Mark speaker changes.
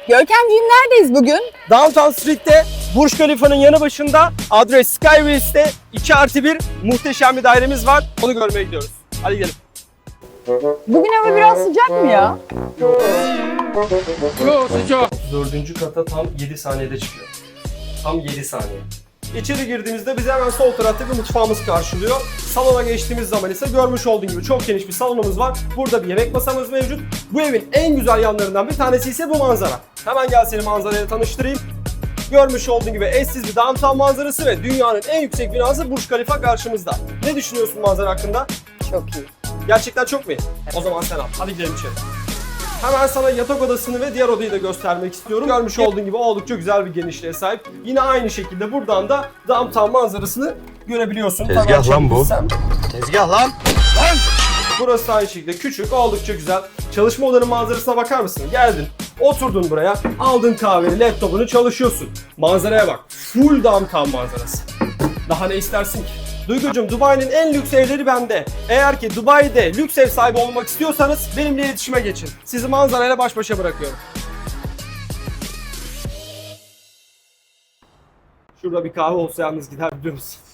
Speaker 1: Görkemciğim neredeyiz bugün?
Speaker 2: Downtown Street'te Burj Khalifa'nın yanı başında adres Skyway's'te 2+1 muhteşem bir dairemiz var. Onu görmeye gidiyoruz. Hadi gidelim.
Speaker 1: Bugün hava biraz sıcak mı ya?
Speaker 2: Yok sıcak. 4. kata tam 7 saniyede çıkıyor. Tam 7 saniye. İçeri girdiğimizde bizi hemen sol tarafta bir mutfağımız karşılıyor. Salona geçtiğimiz zaman ise görmüş olduğun gibi çok geniş bir salonumuz var. Burada bir yemek masamız mevcut. Bu evin en güzel yanlarından bir tanesi ise bu manzara. Hemen gel seni manzarayla tanıştırayım. Görmüş olduğun gibi eşsiz bir downtown manzarası ve dünyanın en yüksek binası Burj Khalifa karşımızda. Ne düşünüyorsun manzara hakkında?
Speaker 1: Çok iyi.
Speaker 2: Gerçekten çok mu iyi? O zaman sen al. Hadi gidelim içeri. Hemen sana yatak odasını ve diğer odayı da göstermek istiyorum. Görmüş olduğun gibi oldukça güzel bir genişliğe sahip. Yine aynı şekilde buradan da downtown manzarasını görebiliyorsun.
Speaker 3: Tezgah lan bu.
Speaker 2: Sen.
Speaker 3: Tezgah lan.
Speaker 2: Burası aynı şekilde küçük, oldukça güzel. Çalışma odanın manzarasına bakar mısın? Geldin, oturdun buraya, aldın kahveni, laptopunu çalışıyorsun. Manzaraya bak, full downtown manzarası. Daha ne istersin ki? Duygucuğum, Dubai'nin en lüks evleri bende. Eğer ki Dubai'de lüks ev sahibi olmak istiyorsanız benimle iletişime geçin. Sizi manzarayla baş başa bırakıyorum. Şurada bir kahve olsa yalnız gider biliyor musun?